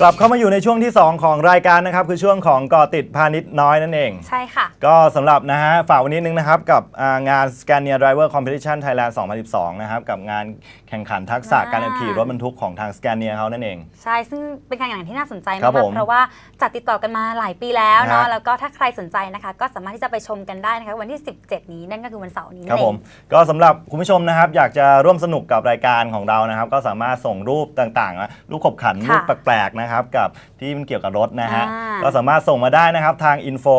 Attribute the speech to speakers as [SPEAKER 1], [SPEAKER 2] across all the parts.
[SPEAKER 1] กลับเข้ามาอยู่ในช่วงที่ 2 ของรายการนะครับคือช่วงของก่อติดพาณิชย์น้อยนั่นเอง
[SPEAKER 2] ใช่ค่ะ
[SPEAKER 1] ก็สำหรับนะฮะฝากวันนี้นึงนะครับกับงาน Scania Driver Competition Thailand 2012 นะครับกับงานแข่งขันทักษะการขี่รถบรรทุกของทาง Scania เขานั่นเอง
[SPEAKER 2] ใช่ซึ่งเป็นการแข่งขันที่น่าสนใจมากเพราะว่าจัดติดต่อกันมาหลายปีแล้วเนาะแล้วก็ถ้าใครสนใจนะคะก็สามารถที่จะไปชมกันได้นะคะวันที่17นี้นั่นก็คือวันเสาร์นี้
[SPEAKER 1] ครับผมก็สำหรับคุณผู้ชมนะครับอยากจะร่วมสนุกกับรายการของเรานะครับก็สามารถส่งรูปต่างๆรูปขบขันรูปแปลกๆนะครับกับที่มันเกี่ยวกับรถนะฮะก็สามารถส่งมาได้นะครับทาง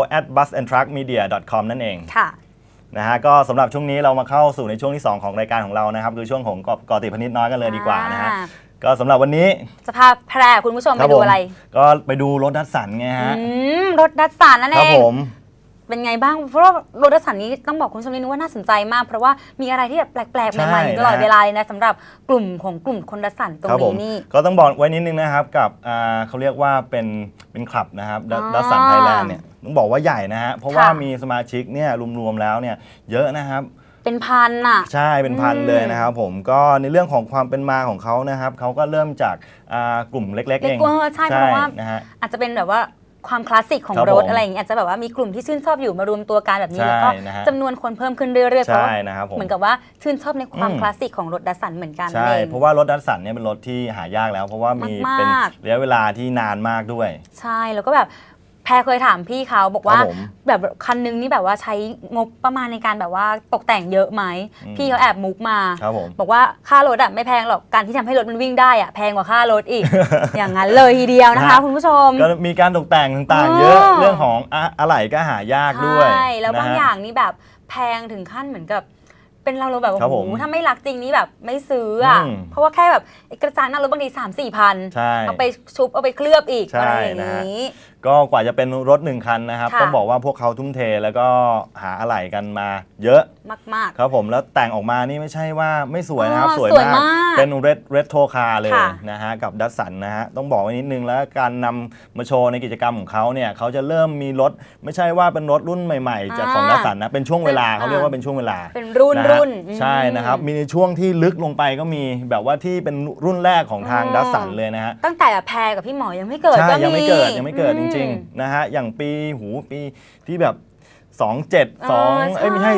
[SPEAKER 1] info@busandtruckmedia.com นั่นเอง
[SPEAKER 2] ค่ะ
[SPEAKER 1] นะฮะก็สำหรับช่วงนี้เรามาเข้าสู่ในช่วงที่ 2 ของรายการของเรานะครับคือช่วงของก่อติดพาณิชย์น้อยกันเลยดีกว่านะฮะก็สำหรับวันนี้
[SPEAKER 2] จะพาแพรคุณผู้ชมไปดูอะไร
[SPEAKER 1] ก็ไปดูรถดัสสันไงฮะ
[SPEAKER 2] รถดัสสันนั่นเอง
[SPEAKER 1] ครับผม
[SPEAKER 2] เป็นไงบ้างเพราะว่ารถดัสสันนี้ต้องบอกคุณผู้ชมนิดนึงว่าน่าสนใจมากเพราะว่ามีอะไรที่แบบแปลกๆใหม่ๆตลอดเวลาเลยนะสำหรับกลุ่มคนดัสสันตรงนี้นี่
[SPEAKER 1] ก็ต้องบอกไว้นิดนึงนะครับกับเขาเรียกว่าเป็นคลับนะครับดัสสันไทยแลนด์เนี่ยต้องบอกว่าใหญ่นะฮะเพราะว่ามีสมาชิกเนี่ยรวมๆแล้วเนี่ยเยอะนะครับ
[SPEAKER 2] เป็นพันอ่ะ
[SPEAKER 1] ใช่เป็นพันเลยนะครับผมก็ในเรื่องของความเป็นมาของเขานะครับเขาก็เริ่มจากกลุ่มเล็กๆเอง
[SPEAKER 2] ใช่เพราะว่าอาจจะเป็นแบบว่าความคลาสสิกของรถอะไรอย่างเงี้ยอาจจะแบบว่ามีกลุ่มที่ชื่นชอบอยู่มารวมตัวกันแบบนี้แล้วก็จำนวนคนเพิ่มขึ้นเรื่อยๆเพราะเหมือนกับว่าชื่นชอบในความคลาสสิกของรถดัสสันเหมือนกัน
[SPEAKER 1] ใช่เพราะว่ารถดัสสันเนี่ยเป็นรถที่หายากแล้วเพราะว่ามีเป็นระยะเวลาที่นานมากด้วย
[SPEAKER 2] ใช่แล้วก็แบบแพรเคยถามพี่เขาบอกว่าแบบคันนึงนี่แบบว่าใช้งบประมาณในการแบบว่าตกแต่งเยอะไหมพี่เขาแอบมุกมาบอกว่าค่ารถอะไม่แพงหรอกการที่ทำให้รถมันวิ่งได้อะแพงกว่าค่ารถอีก อย่างนั้นเลยทีเดียวนะคะคุณผู้ชม
[SPEAKER 1] ก็มีการตกแต่งต่างๆเยอะเรื่องของอะไหล่ก็หายากด้วย
[SPEAKER 2] ใช่แล้วบางอย่างนี่แบบแพงถึงขั้นเหมือนกับเป็นเราแบบโอ้โหถ้าไม่รักจริงนี่แบบไม่ซื้ออ่ะเพราะว่าแค่แบบกระจังหน้ารถบางที3-4 พันเอาไปชุบเอาไปเคลือบอีกอะไรอย่างนี้
[SPEAKER 1] ก็กว่าจะเป็นรถ1 คันนะครับต้องบอกว่าพวกเขาทุ่มเทแล้วก็หาอะไหล่กันมาเยอะ
[SPEAKER 2] มาก
[SPEAKER 1] ๆครับผมแล้วแต่งออกมานี่ไม่ใช่ว่าไม่สวยนะครับสวยมากเป็นเรโทรคาร์เลยนะฮะกับดัสสันนะฮะต้องบอกไว้นิดนึงแล้วการนำมาโชว์ในกิจกรรมของเขาเนี่ยเขาจะเริ่มมีรถไม่ใช่ว่าเป็นรถรุ่นใหม่ๆจากของดัสสันนะเป็นช่วงเวลาเขาเรียกว่าเป็นช่วงเวลา
[SPEAKER 2] เป็นรุ่น
[SPEAKER 1] ใช่นะครับมีในช่วงที่ลึกลงไปก็มีแบบว่าที่เป็นรุ่นแรกของทางดัสสันเลยนะฮะ
[SPEAKER 2] ตั้งแต่แพรกับพี่หมอยังไม่เกิด
[SPEAKER 1] ก็มียังไม่เกิดจริงๆนะฮะอย่างปีที่แบบ27ไม่ใช่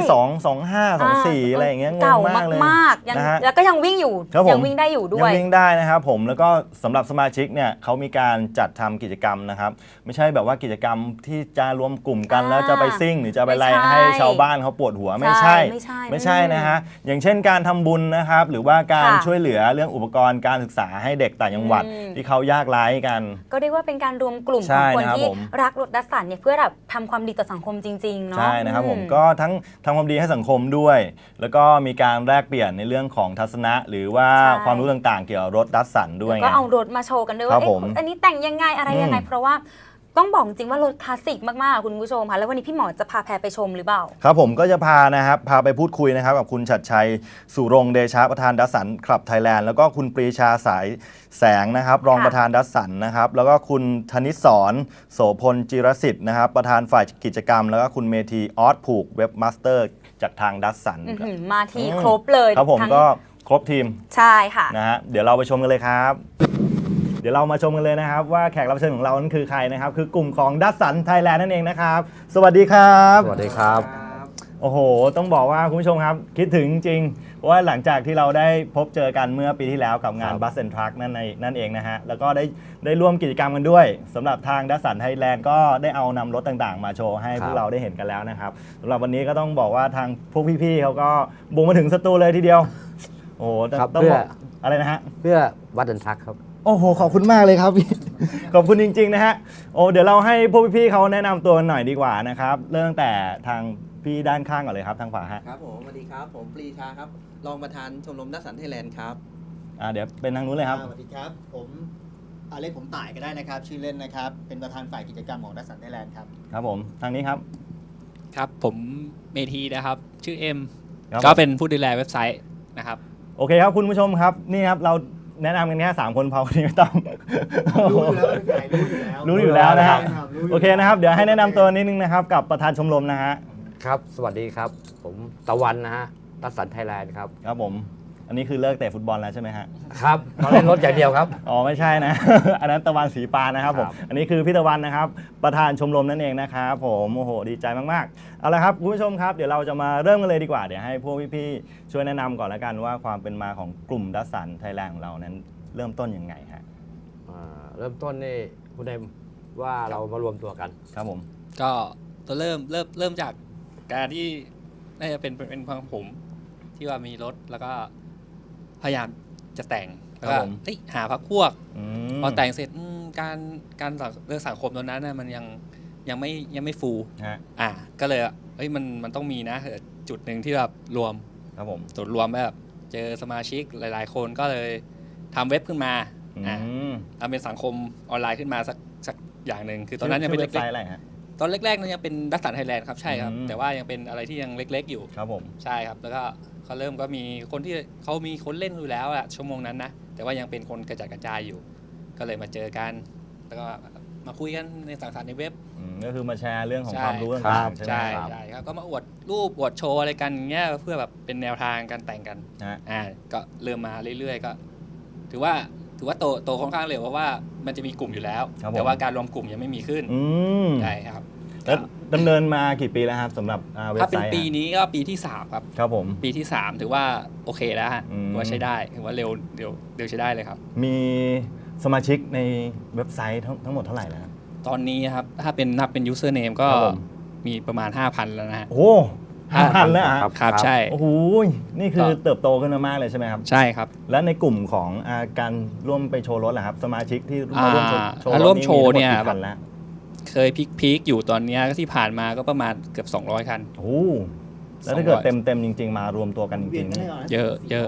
[SPEAKER 1] 25 24อะไรอย่างเงี้ยงงมากเลย
[SPEAKER 2] นะฮะแล้วก็ยังวิ่งอยู่ยังวิ่งได้อยู่ด้วย
[SPEAKER 1] ยังวิ่งได้นะครับผมแล้วก็สำหรับสมาชิกเนี่ยเขามีการจัดทำกิจกรรมนะครับไม่ใช่แบบว่ากิจกรรมที่จะรวมกลุ่มกันแล้วจะไปซิ่งหรือจะไปไล่ให้ชาวบ้านเขาปวดหัวไม่ใช่นะฮะอย่างเช่นการทำบุญนะครับหรือว่าการช่วยเหลือเรื่องอุปกรณ์การศึกษาให้เด็กต่างจังหวัดที่เขายากไร้กัน
[SPEAKER 2] ก็เรียกว่าเป็นการรวมกลุ่มของคนที่รักรถดัสสันเนี่ยเพื่อแบบทำความดีต่อสังคมจริง
[SPEAKER 1] ใช่นะครับผมก็ทั้งทำความดีให้สังคมด้วยแล้วก็มีการแลกเปลี่ยนในเรื่องของทัศนะหรือว่าความรู้ต่างๆเกี่ยวกับรถดัสสันด้วย
[SPEAKER 2] ก็เอารถมาโชว์กันด้วยว่าอันนี้แต่งยังไงอะไรยังไงเพราะว่าต้องบอกจริงว่ารถคลาสสิกมากๆคุณผู้ชมค่ะแล้ววันนี้พี่หมอจะพาแพรไปชมหรือเปล่า
[SPEAKER 1] ครับผมก็จะพาไปพูดคุยนะครับกับคุณชัดชัยสุรงเดชะประธานดัสสันคลับไทยแลนด์แล้วก็คุณปรีชาสายแสงนะครับรองประธานดัสสันนะครับแล้วก็คุณธนิศรโสพลจิรสิทธิ์นะครับประธานฝ่ายกิจกรรมแล้วก็คุณเมธีออสผูกเว็บมาสเตอร์จากทางดัสสัน
[SPEAKER 2] มาทีครบเลย
[SPEAKER 1] ครับผมก็ครบทีม
[SPEAKER 2] ใช่ค่ะ
[SPEAKER 1] นะฮะเดี๋ยวเราไปชมกันเลยครับเดี๋ยวเรามาชมกันเลยนะครับว่าแขกรับเชิญของเรานั้นคือใครนะครับคือกลุ่มของดัสสันไทยแลนด์นั่นเองนะครับสวัสดีครับ
[SPEAKER 3] สวัสดีครับ
[SPEAKER 1] โอ้โหต้องบอกว่าคุณผู้ชมครับคิดถึงจริงเพราะว่าหลังจากที่เราได้พบเจอกันเมื่อปีที่แล้วกับงาน Bus and Truck นั่นเองนะฮะแล้วก็ได้ร่วมกิจกรรมกันด้วยสำหรับทางดัสสันไทยแลนด์ก็ได้เอานำรถต่างๆมาโชว์ให้พวกเราได้เห็นกันแล้วนะครับสำหรับวันนี้ก็ต้องบอกว่าทางพวกพี่ๆเขาก็บุกมาถึงสตูเลยทีเดียวโอ้ต้องบอกอะไรนะฮะ
[SPEAKER 3] เพื่อวัดดันทักครับ
[SPEAKER 1] โอ้โหขอบคุณมากเลยครับ ขอบคุณจริงๆนะฮะโอ้เดี๋ยวเราให้พวกพี่ๆเขาแนะนำตัวหน่อยดีกว่านะครับเริ่มตั้งแต่ทางพี่ด้านข้างก่อนเลยครับทางขวาฮะ
[SPEAKER 4] ครับผมสวัสดีครับผมปรีชาครับรองประธานชมรมดัสสันไทยแลนด์ครับ
[SPEAKER 1] เดี๋ยวเป็นทางนู้นเลยครับ
[SPEAKER 5] สวัสดีครับผมเรียกผมต่ายก็ได้นะครับชื่อเล่นนะครับเป็นประธานฝ่ายกิจกรรมของดัสสันไทยแลนด์ครับ
[SPEAKER 1] ครับผมทางนี้ครับ
[SPEAKER 6] ครับผมเมธีนะครับชื่อเอ็มก็เป็นผู้ดูแลเว็บไซต์นะครับ
[SPEAKER 1] โอเคครับคุณผู้ชมครับนี่ครับเราแนะนำกันแค่3 คนพอวันนี้ไม่ต้องรู้อยู่แล้วนะครับโอเคนะครับเดี๋ยวให้แนะนำตัวนิดนึงนะครับกับประธานชมรมนะฮะ
[SPEAKER 3] ครับสวัสดีครับผมตะวันนะฮะดัสสันไทยแลนด์ครับ
[SPEAKER 1] ครับผมอันนี้คือเลิกเตะฟุตบอลแล้วใช่ไหมฮะ
[SPEAKER 3] ครับเราเล่นรถอย่างเดียวครับ
[SPEAKER 1] อ๋อไม่ใช่นะ อันนั้นตะวันสีปานนะครับผม อันนี้คือพี่ตะวันนะครับประธานชมรมนั่นเองนะครับผมโอ้โหดีใจมากๆเอาละครับคุณผู้ชมครับเดี๋ยวเราจะมาเริ่มกันเลยดีกว่าเดี๋ยวให้พวกพี่ๆช่วยแนะนำก่อนแล้วกันว่าความเป็นมาของกลุ่มดัสสันไทยแลนด์ของเรานั้นเริ่มต้นยังไงฮะ
[SPEAKER 3] เริ่มต้นนี่คุณเอ็มว่าเรามารวมตัวกัน
[SPEAKER 1] ครับผม
[SPEAKER 6] ก็ตัวเริ่มจากการที่น่าจะเป็นของผมที่ว่ามีรถแล้วก็พยายามจะแต่งแล้วก็หาพรรคพวกพอแต่งเสร็จการเรื่องสังคมตอนนั้นนะมันยังไม่ฟูลก็เลยมันต้องมีนะจุดหนึ่งที่แบบรวม
[SPEAKER 1] ครับผม
[SPEAKER 6] จุดรวมแบบเจอสมาชิกหลายๆคนก็เลยทำเว็บขึ้นมาทำเป็นสังคมออนไลน์ขึ้นมาสักอย่างหนึ่งคือตอนนั้นยังเป็นเล็กๆตอนแรกๆนั้นยังเป็นดัสสันไทยแลนด์ครับใช่ครับแต่ว่ายังเป็นอะไรที่ยังเล็กๆอยู่
[SPEAKER 1] ครับผม
[SPEAKER 6] ใช่ครับแล้วก็เขาเริ่มก็มีคนที่เขามีคนเล่นอยู่แล้วอะชั่วโมงนั้นนะแต่ว่ายังเป็นคนกระจัดกระจายอยู่ก็เลยมาเจอกันแล้วก็มาคุยกันในสังสรรค์ในเว็บ
[SPEAKER 1] ก็คือมาแชร์เรื่องของความรู้ต่างๆใช่ไหม
[SPEAKER 6] ใช่ครับก็มาอวดรูปอวดโชว์อะไรกันเงี้ยเพื่อแบบเป็นแนวทางการแต่งกันก็เริ่มมาเรื่อยๆก็ถือว่าโตค่อนข้างเร็วเพราะว่ามันจะมีกลุ่มอยู่แล้วแต่ว่าการรวมกลุ่มยังไม่มีขึ้นใช่ครับ
[SPEAKER 1] แล้วดำเนินมากี่ปีแล้วครับสำหรับเว็บไซต์
[SPEAKER 6] ถ้าเป็นปีนี้ก็ปีที่3ครับ
[SPEAKER 1] ครับผม
[SPEAKER 6] ปีที่3ถือว่าโอเคแล้วฮะว่าใช้ได้ถือว่าเร็วใช้ได้เลยครับ
[SPEAKER 1] มีสมาชิกในเว็บไซต์ทั้งหมดเท่าไหร่แล้ว
[SPEAKER 6] ตอนนี้ครับถ้าเป็นนับเป็น username ก็มีประมาณ 5,000 แล้วนะฮะ
[SPEAKER 1] โอ้5,000แล้ว
[SPEAKER 6] ครับใช่
[SPEAKER 1] โอ้โหนี่คือเติบโตขึ้นมากเลยใช่ไหมครับ
[SPEAKER 6] ใช่ครับ
[SPEAKER 1] และในกลุ่มของการร่วมไปโชว์รถแหละครับสมาชิกที่
[SPEAKER 6] ร่วมโชว์เนี่ยเคยพีคอยู่ตอนนี้ที่ผ่านมาก็ประมาณเกือบ200 คัน
[SPEAKER 1] โอ้แล้วถ้าเกิดเต็มจริงๆมารวมตัวกันจริง
[SPEAKER 6] ๆเยอะ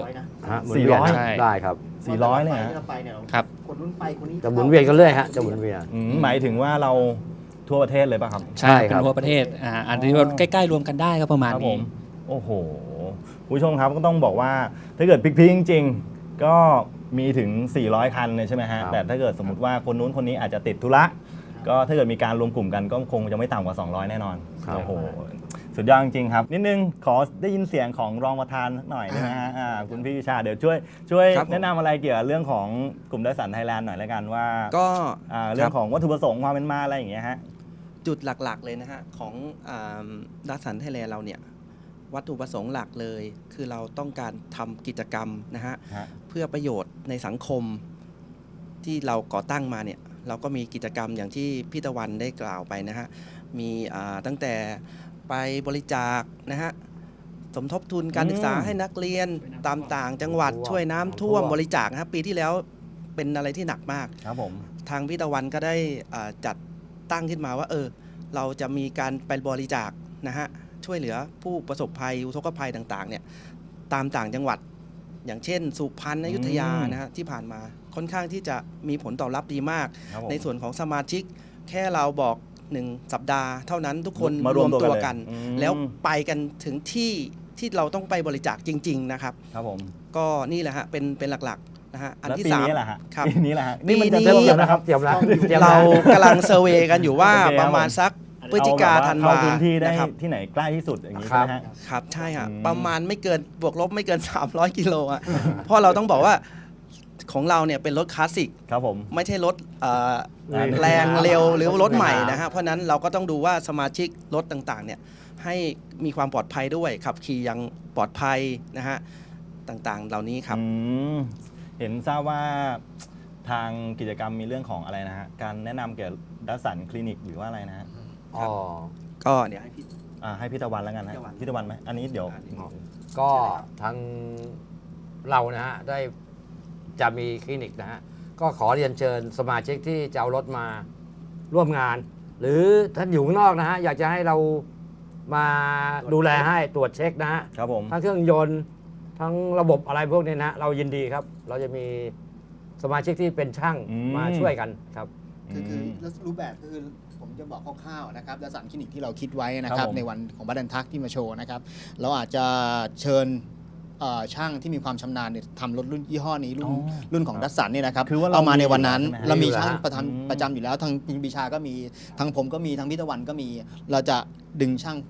[SPEAKER 3] 400ได้ครับ
[SPEAKER 1] 400เลย
[SPEAKER 6] ครับ
[SPEAKER 5] คนนู้นไปคนนี้
[SPEAKER 3] จะหมุนเวียนกันเรื่อยฮะจะหมุนเวียน
[SPEAKER 1] หมายถึงว่าเราทั่วประเทศเลยป่ะครับ
[SPEAKER 6] ใช่ครับทั่วประเทศอันนี้ใกล้ๆรวมกันได้ก็ประมาณนี้
[SPEAKER 1] โอ้โหผู้ชมครับก็ต้องบอกว่าถ้าเกิดพิกๆจริงๆก็มีถึง400 คันเลยใช่ไหมฮะแต่ถ้าเกิดสมมติว่าคนนู้นคนนี้อาจจะติดธุระก็ถ้าเกิดมีการรวมกลุ่มกันก็คงจะไม่ต่ำกว่า200แน่นอนโอ้โหสุดยอดจริงครับนิดนึงขอได้ยินเสียงของรองประธานหน่อยได้ไหมฮะคุณพี่ชาเดี๋ยวช่วยแนะนำอะไรเกี่ยวกับเรื่องของกลุ่มดัสสันไทยแลนด์หน่อยแล้วกันว่า
[SPEAKER 4] ก็
[SPEAKER 1] เรื่องของวัตถุประสงค์ความเป็นมาอะไรอย่างเงี้ยฮะ
[SPEAKER 4] จุดหลักๆเลยนะฮะของดัสสันไทยแลนด์เราเนี่ยวัตถุประสงค์หลักเลยคือเราต้องการทำกิจกรรมนะฮะเพื่อประโยชน์ในสังคมที่เราก่อตั้งมาเนี่ยเราก็มีกิจกรรมอย่างที่พี่ตะวันได้กล่าวไปนะฮะมีตั้งแต่ไปบริจาคนะฮะสมทบทุนการศึกษาให้นักเรียนตามต่างจังหวัดช่วยน้ำท่วมบริจาคนะครับปีที่แล้วเป็นอะไรที่หนักมาก
[SPEAKER 1] ครับผม
[SPEAKER 4] ทางพี่ตะวันก็ได้จัดตั้งขึ้นมาว่าเราจะมีการไปบริจาคนะฮะช่วยเหลือผู้ประสบภัยอุทกภัยต่างๆเนี่ยตามต่างจังหวัดอย่างเช่นสุพรรณอยุธยานะฮะที่ผ่านมาค่อนข้างที่จะมีผลตอบรับดีมากในส่วนของสมาชิกแค่เราบอก1 สัปดาห์เท่านั้นทุกคนรวมตัวกันแล้วไปกันถึงที่เราต้องไปบริจาคจริงๆนะครับ
[SPEAKER 1] ครับผม
[SPEAKER 4] ก็นี่แหละฮะเป็นหลักๆนะฮะ
[SPEAKER 1] อันที่3ครับปีนี้แหละฮะ
[SPEAKER 4] นี่มันจะเริ่มแล้วนะครับเรากำลังเซอร์เวย์กันอยู่ว่าประมาณสักพฤศจิกาธันวา
[SPEAKER 1] พื้นที่ได้ที่ไหนใกล้ที่สุดอย่างนี้ใช่ไหม
[SPEAKER 4] ครับใช่ฮะประมาณไม่เกินบวกลบไม่เกิน300 กิโลอ่ะเพราะเราต้องบอกว่าของเราเนี่ยเป็นรถคลาสสิก
[SPEAKER 1] ครับผม
[SPEAKER 4] ไม่ใช่รถแรงเร็วหรือรถใหม่นะฮะเพราะนั้นเราก็ต้องดูว่าสมาชิกรถต่างๆเนี่ยให้มีความปลอดภัยด้วยขับขี่อย่างปลอดภัยนะฮะต่างๆเหล่านี้ครับ
[SPEAKER 1] เห็นทราบว่าทางกิจกรรมมีเรื่องของอะไรนะฮะการแนะนำเกี่ยวกับดัสสันคลินิกหรือว่าอะไรนะฮะ
[SPEAKER 4] ก็เดี๋ยว
[SPEAKER 1] ให้พี่ตะวันแล้วกันนะพี่ตะวันไหมอันนี้เดี๋ยว
[SPEAKER 3] ก็ทางเรานะฮะได้จะมีคลินิกนะฮะก็ขอเรียนเชิญสมาชิกที่จะเอารถมาร่วมงานหรือท่านอยู่ข้างนอกนะฮะอยากจะให้เรามาดูแลให้ตรวจเช็คนะฮะ
[SPEAKER 1] ครับผม
[SPEAKER 3] ทั้งเครื่องยนต์ทั้งระบบอะไรพวกนี้นะเรายินดีครับเราจะมีสมาชิกที่เป็นช่างมาช่วยกันครับ
[SPEAKER 5] คือรูปแบบคือผมจะบอกคร่าวๆนะครับดัสสันคลินิกที่เราคิดไว้นะครับในวันของบัดดันทักที่มาโชว์นะครับเราอาจจะเชิญช่างที่มีความชำนาญเนี่ยทำรถรุ่นยี่ห้อนี้รุ่นของดัสสันเนี่ยนะครับเอามาในวันนั้นเรามีช่างประจำอยู่แล้วทางพิงปีชาก็มีทางผมก็มีทางพิตะวันก็มีเราจะดึงช่าง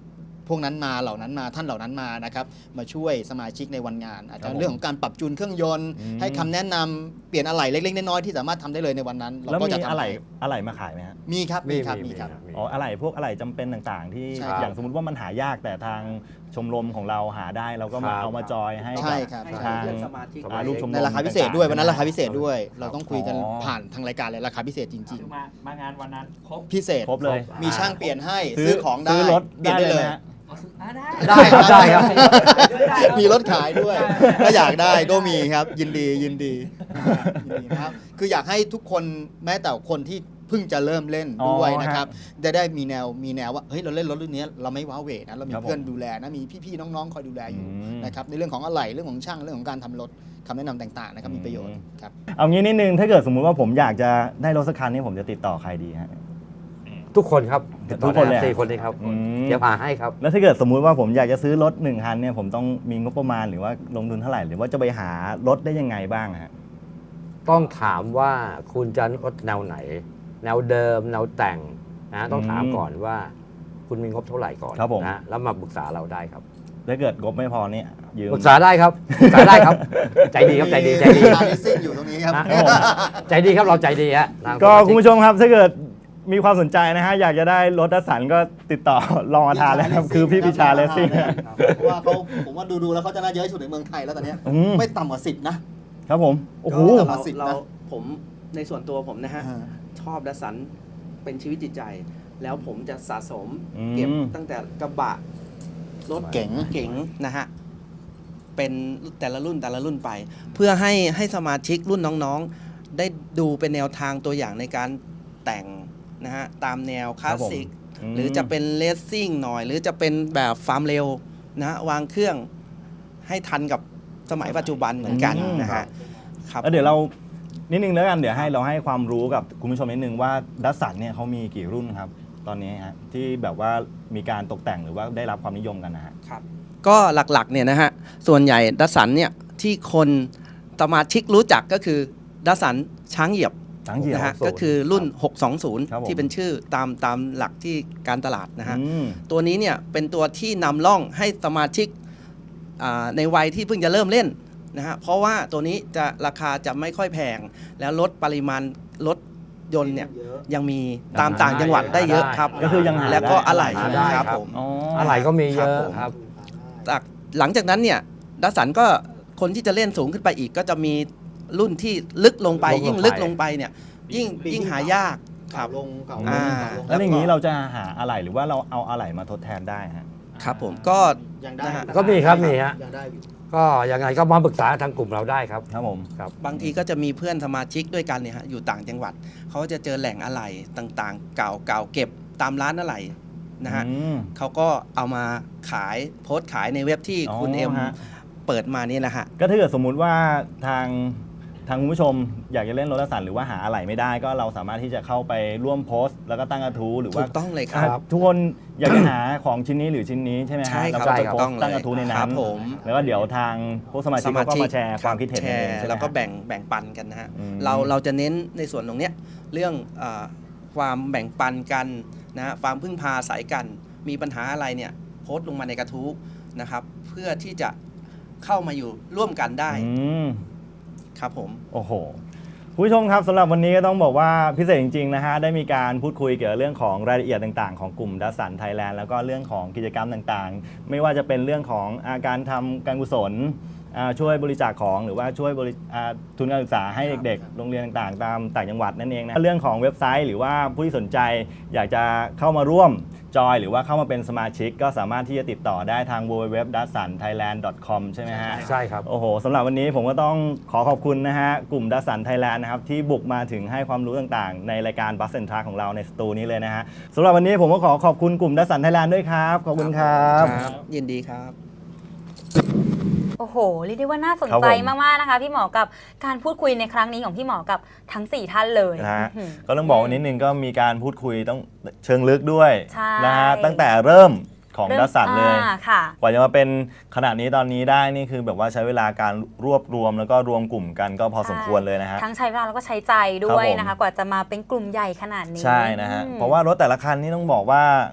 [SPEAKER 5] พวกนั้นมาเหล่านั้นมาท่านเหล่านั้นมานะครับมาช่วยสมาชิกในวันงาน อาจจะเรื่องของการปรับจูนเครื่องยนต์ให้คำแนะนำเปลี่ยนอะไหล่เล็กๆน้อยๆที่สามารถทำได้เลยในวันนั้นเรา
[SPEAKER 1] แล้ว
[SPEAKER 5] ก็
[SPEAKER 1] มี
[SPEAKER 5] จะทำ
[SPEAKER 1] อะไหล่มาขายไหมฮะ
[SPEAKER 5] มีครับมีครับมีครับ
[SPEAKER 1] อ๋ออะไหล่พวกอะไหล่จำเป็นต่างๆ ที่
[SPEAKER 5] ใช่ครับ
[SPEAKER 1] อย่างสมมติว่ามันหายากแต่ทางชมรมของเราหาได้เราก็มาเอามาจอยให้
[SPEAKER 5] ใช่ครับ
[SPEAKER 4] ให้
[SPEAKER 1] ทาง
[SPEAKER 4] เพื่อนสมาชิก
[SPEAKER 1] ลูกชมรม
[SPEAKER 5] ในราคาพิเศษด้วยวันนั้นราคาพิเศษด้วย
[SPEAKER 1] ค
[SPEAKER 5] เรา
[SPEAKER 1] รับ
[SPEAKER 5] ต้องคุยกัน
[SPEAKER 1] อ๋อ
[SPEAKER 5] ผ่านทางรายการเลยราคาพิเศษจริง
[SPEAKER 6] คือมางานวันนั้นครบ
[SPEAKER 5] ๆ พิเศษ
[SPEAKER 1] ครบเลย
[SPEAKER 5] มีช่างเปลี่ยนให้ซื้อของได้
[SPEAKER 1] ซื้อรถ
[SPEAKER 5] เปลี่ยนได้เลย
[SPEAKER 1] นะฮะ
[SPEAKER 3] ได้ครับได้ครับ
[SPEAKER 5] มีรถขายด้วยถ้าอยากได้ก็มีครับยินดียินดีนะครับคืออยากให้ทุกคนแม้แต่คนที่เพิ่งจะเริ่มเล่นด้วยนะครับจะได้มีแนวว่าเฮ้ยเราเล่นรถรุ่นนี้เราไม่ว้าเหวนะเรามีเพื่อนดูแลนะมีพี่ๆน้องๆคอยดูแลอยู่นะครับในเรื่องของอะไหล่เรื่องของช่างเรื่องของการทำรถคำแนะนำต่างๆนะครับมีประโยชน์ครับ
[SPEAKER 1] เอางี้นิดนึงถ้าเกิดสมมุติว่าผมอยากจะได้รถสักคันนี้ผมจะติดต่อใครดีฮะ
[SPEAKER 3] ทุกคนครับ
[SPEAKER 1] ทุกคนเลย
[SPEAKER 3] 4 คนนี้ครับ
[SPEAKER 1] อืม
[SPEAKER 3] เดี๋ยวพาให้ครับ
[SPEAKER 1] แล้วถ้าเกิดสมมุติว่าผมอยากจะซื้อรถ1คันเนี่ยผมต้องมีงบประมาณหรือว่าลงทุนเท่าไหร่หรือว่าจะไปหารถได้ยังไงบ้างฮะ
[SPEAKER 3] ต้องถามว่าคุณจะรถแนวไหน แนวเดิมแนวแต่งนะต้องถามก่อนว่าคุณมีงบเท่าไหร่ก่อน
[SPEAKER 1] ครับผม
[SPEAKER 3] นะแล้วมาปรึกษาเราได้ครับ
[SPEAKER 1] ถ้าเกิดงบไม่พอเนี่ยยืม
[SPEAKER 3] ปรึกษาได้ครับปรึกษาได้ครับ ใจดีครับใจดีใจดี
[SPEAKER 5] ร้านลิสซิ่งอยู่ตรงนี้ครับ
[SPEAKER 3] นะใจดีครับเราใจดีฮะทาง
[SPEAKER 1] ก็คุณผู้ชมครับถ้าเกิดมีความสนใจนะฮะอยากจะได้รถดัสสันก็ติดต่อลองมาทานแล้วครับคือพี่ปิชาเลสซิ่ง
[SPEAKER 5] เพราะว่าเขาผมว่าดูแล้วเขาจะน่าเยอะที่สุดในเมืองไทยแล้วตอนเนี้ย
[SPEAKER 1] อืม
[SPEAKER 5] ไม่ต่ำกว่า10นะครับ
[SPEAKER 1] ผมโอ้โห
[SPEAKER 5] ก็
[SPEAKER 4] เราผมในส่วนตัวผมนะฮะ
[SPEAKER 5] อ่า
[SPEAKER 4] ชอบดัสสันเป็นชีวิตจิตใจ แล้วผมจะสะสม
[SPEAKER 1] อืม
[SPEAKER 4] เก็บตั้งแต่กระบะรถ
[SPEAKER 5] เก๋ง
[SPEAKER 4] เก๋งนะฮะเป็นแต่ละรุ่นไป เพื่อให้สมาชิกรุ่นน้องๆ ได้ดูเป็นแนวทางตัวอย่างในการแต่งนะฮะตามแนวคลาสสิก
[SPEAKER 1] ม
[SPEAKER 4] หรือจะเป็นเลสซิ่งหน่อย หรือจะเป็นแบบฟาร์มเร็วนะฮะวางเครื่องให้ทันกับสมัยปัจจุบันเหมือนกันนะฮะครับ
[SPEAKER 1] แล้วเดี๋ยวเรานิดนึงแล้วกันเดี๋ยวเราให้ความรู้กับคุณผู้ชมนิดนึงว่าดัสสันเนี่ยเขามีกี่รุ่นครับ ตอนนี้ฮะที่แบบว่ามีการตกแต่งหรือว่าได้รับความนิยมกันนะฮะ
[SPEAKER 4] ครับก็หลักๆเนี่ยนะฮะส่วนใหญ่ดัสสันเนี่ยที่คนสมาชิกรู้จักก็คือดัสสันช้างเหยียบ
[SPEAKER 1] ช้างเหยียบ
[SPEAKER 4] นะฮะ
[SPEAKER 3] 620
[SPEAKER 4] ก็คือรุ่น
[SPEAKER 1] ครับผม
[SPEAKER 4] 620 ที่เป็นชื่อตามหลักที่การตลาดนะฮะ
[SPEAKER 1] อืม
[SPEAKER 4] ตัวนี้เนี่ยเป็นตัวที่นำร่องให้สมาชิกในวัยที่เพิ่งจะเริ่มเล่นนะฮะเพราะว่าตัวนี้จะราคาจะไม่ค่อยแพง แล้วลดปริมาณรถยนต์เนี่ยยังมีตามต่างจังหวัดได้เยอะครับ
[SPEAKER 1] ก็คือยังหา
[SPEAKER 4] แล้วก็
[SPEAKER 1] ได้
[SPEAKER 4] อะไหล่
[SPEAKER 3] หาได้
[SPEAKER 4] ครับ
[SPEAKER 3] ครับ
[SPEAKER 4] ผม
[SPEAKER 1] อ๋อ
[SPEAKER 3] อะไรก็มีเยอะ
[SPEAKER 4] ครับผม
[SPEAKER 3] ครับ
[SPEAKER 4] หลังจากนั้นเนี่ยดัสสันก็คนที่จะเล่นสูงขึ้นไปอีกก็จะมีรุ่นที่ลึกลงไป
[SPEAKER 3] ลงลงไป
[SPEAKER 4] ยิ่งลึกลงไปเนี่ยยิ่งหายากครับ
[SPEAKER 5] ลงเก่า
[SPEAKER 4] อ่า
[SPEAKER 1] แล้วอย่างนี้เราจะหาอะไหล่หรือว่าเราเอาอะไหล่มาทดแทนได้ฮะ
[SPEAKER 4] ครับผมก็
[SPEAKER 5] ยังได้
[SPEAKER 4] นะฮะ
[SPEAKER 3] ก็มีครับมีฮะ
[SPEAKER 5] ยังได้อยู่
[SPEAKER 3] ก็ยังไงก็มาปรึกษาทางกลุ่มเราได้ครับ
[SPEAKER 1] ครับผม
[SPEAKER 3] ครับ
[SPEAKER 4] บางทีก็จะมีเพื่อนสมาชิกด้วยกันเนี่ยฮะอยู่ต่างจังหวัดเขาก็จะเจอแหล่งอะไหล่ต่างๆ เก่าเก็บตามร้านอะไหล่นะฮะ
[SPEAKER 1] อืม
[SPEAKER 4] เขาก็เอามาขายโพสต์ขายในเว็บที่คุณ
[SPEAKER 1] อ๋อ
[SPEAKER 4] เอ็ม
[SPEAKER 1] ฮะ
[SPEAKER 4] เปิดมานี่นะฮะ
[SPEAKER 1] ก็ถ้าเกิดสมมุติว่าทางคุณผู้ชมอยากจะเล่นรถดัสสันหรือว่าหาอะไหล่ไม่ได้ก็เราสามารถที่จะเข้าไปร่วมโพสต์ แล้วก็ตั้งกระทู้หรือ
[SPEAKER 4] ถู
[SPEAKER 1] ว่าก
[SPEAKER 4] ต้องเลยครับ
[SPEAKER 1] ทุกคนอยากจะหาของชิ้นนี้หรือชิ้นนี้ใช่ไหมฮะ
[SPEAKER 4] ใช่ครับ
[SPEAKER 1] แล้วก็ไป
[SPEAKER 4] ถู
[SPEAKER 1] โพ
[SPEAKER 4] ก
[SPEAKER 1] ส
[SPEAKER 4] ต้อง
[SPEAKER 1] ต์
[SPEAKER 4] เลย
[SPEAKER 1] ตั้งกระทู้ใน
[SPEAKER 4] ค
[SPEAKER 1] นั้
[SPEAKER 4] รั
[SPEAKER 1] น
[SPEAKER 4] บผม
[SPEAKER 1] แล้วก็เดี๋ยวทางผู้สมาชิกเขาก็มาแชร์ความคิดเห็น
[SPEAKER 4] แช
[SPEAKER 1] เอง
[SPEAKER 4] ร์
[SPEAKER 1] ใช่ไหม
[SPEAKER 4] แล้วก็
[SPEAKER 1] ฮะ
[SPEAKER 4] แบ่งปันกันนะฮะ
[SPEAKER 1] อืม
[SPEAKER 4] เราจะเน้นในส่วนตรงเนี้ยเรื่องความแบ่งปันกันนะฮะความพึ่งพาอาศัยกัน มีปัญหาอะไรเนี่ยโพสต์ลงมาในกระทู้นะครับ เพื่อที่จะเข้ามาอยู่ร่วมกันได้
[SPEAKER 1] อืม
[SPEAKER 4] ครับผม
[SPEAKER 1] โอ้โหคุณผู้ชมครับสำหรับวันนี้ก็ต้องบอกว่าพิเศษจริงๆนะฮะได้มีการพูดคุยเกี่ยวกับเรื่องของรายละเอียดต่างๆของกลุ่มดัสสันไทยแลนด์แล้วก็เรื่องของกิจกรรมต่างๆ ไม่ว่าจะเป็นเรื่องของการทำการกุศลช่วยบริจาคของหรือว่าช่วยทุนการศึกษาให้เด็กๆโรงเรียนต่างๆตามต่างจังหวัดนั่นเองนะเรื่องของเว็บไซต์หรือว่าผู้ที่สนใจอยากจะเข้ามาร่วมจอยหรือว่าเข้ามาเป็นสมาชิกก็สามารถที่จะติดต่อได้ทาง www.dassanthailand.com ใช่ไหมฮะ
[SPEAKER 3] ใช่ครับ
[SPEAKER 1] โอ้โหสำหรับวันนี้ผมก็ต้องขอขอบคุณนะฮะกลุ่มดัสสันไทยแลนด์นะครับที่บุกมาถึงให้ความรู้ต่างๆ ในรายการบัสเซนทราของเราในสตูนี้เลยนะฮะสำหรับวันนี้ผมก็ขอขอบคุณกลุ่มดัสสันไทยแลนด์ด้วยครับขอบคุณครับ
[SPEAKER 4] ยินดีครับ
[SPEAKER 2] โอ้โหเรียกได้ว่าน่าสน
[SPEAKER 1] ครับ
[SPEAKER 2] ใจ
[SPEAKER 1] ผม
[SPEAKER 2] มากๆนะคะพี่หมอกับการพูดคุยในครั้งนี้ของพี่หมอกับทั้ง 4 ท่านเลย
[SPEAKER 1] นะฮะ
[SPEAKER 2] อื้อหือ
[SPEAKER 1] ก็ต้องบอกว่านิดนึงก็มีการพูดคุยต้องเชิงลึกด้วย
[SPEAKER 2] ใช่
[SPEAKER 1] นะฮะตั้งแต่เริ่มของดัสสันเลย
[SPEAKER 2] ค่ะ
[SPEAKER 1] กว่าจะมาเป็นขนาดนี้ตอนนี้ได้นี่คือแบบว่าใช้เวลาการรวบรวมแล้วก็รวมกลุ่มกันก็พอสมควรเลยนะฮะ
[SPEAKER 2] ทั้งใช้เวลาแล้วก็ใช้ใจด้วย
[SPEAKER 1] ครับผม
[SPEAKER 2] นะคะ กว่าจะมาเป็นกลุ่มใหญ่ขนาดนี้
[SPEAKER 1] ใช่นะฮะ
[SPEAKER 2] อืม
[SPEAKER 1] เพราะว่ารถแต่ละคันนี่ต้องบอกว่า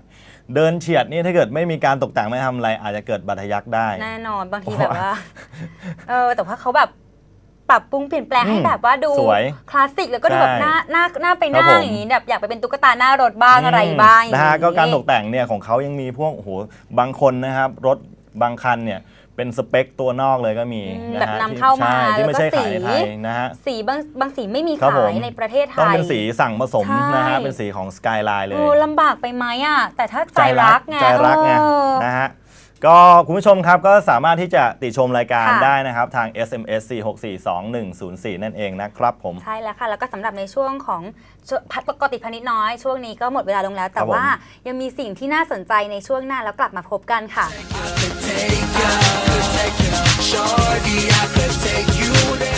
[SPEAKER 1] เดินเฉียดนี่ถ้าเกิดไม่มีการตกแต่งไม่ทำอะไรอาจจะเกิดบาดทะยักได้
[SPEAKER 2] แน่นอนบางทีแบบว่าแต่ว่าเขาแบบปรับปรุงเปลี่ยนแปลงให้แบบว่าดูคลาสสิกแล้วก็ดูแบบหน้าไปนั่งอย่างนี้แบบอยากไปเป็นตุ๊กตาหน้ารถบ้างอะไรบ้าง
[SPEAKER 1] นะฮะก็การตกแต่งเนี่ยของเขายังมีพวกโอ้โหบางคนนะครับรถบางคันเนี่ยเป็นสเปคตัวนอกเลยก็มีนะฮะ
[SPEAKER 2] แบบนำเข้ามา
[SPEAKER 1] ที่ไม่ใช่
[SPEAKER 2] แล้วก็
[SPEAKER 1] ขายในไทยนะฮะ
[SPEAKER 2] สีบางสีไม่มีขายในประเทศไทย
[SPEAKER 1] ต้องเป็นสีสั่งผสมนะฮะเป็นสีของสกายไลน์เลย
[SPEAKER 2] ลำบากไปไหมอ่ะแต่ถ้าใจรักไง
[SPEAKER 1] นะฮะก็คุณผู้ชมครับก็สามารถที่จะติชมรายการได้นะครับทาง SMS 4642104 นั่นเองนะครับผม
[SPEAKER 2] ใช่แล้วค่ะแล้วก็สำหรับในช่วงของปกติพนิดน้อยช่วงนี้ก็หมดเวลาลงแล้วแต่ว่ายังมีสิ่งที่น่าสนใจในช่วงหน้าแล้วกลับมาพบกันค่ะ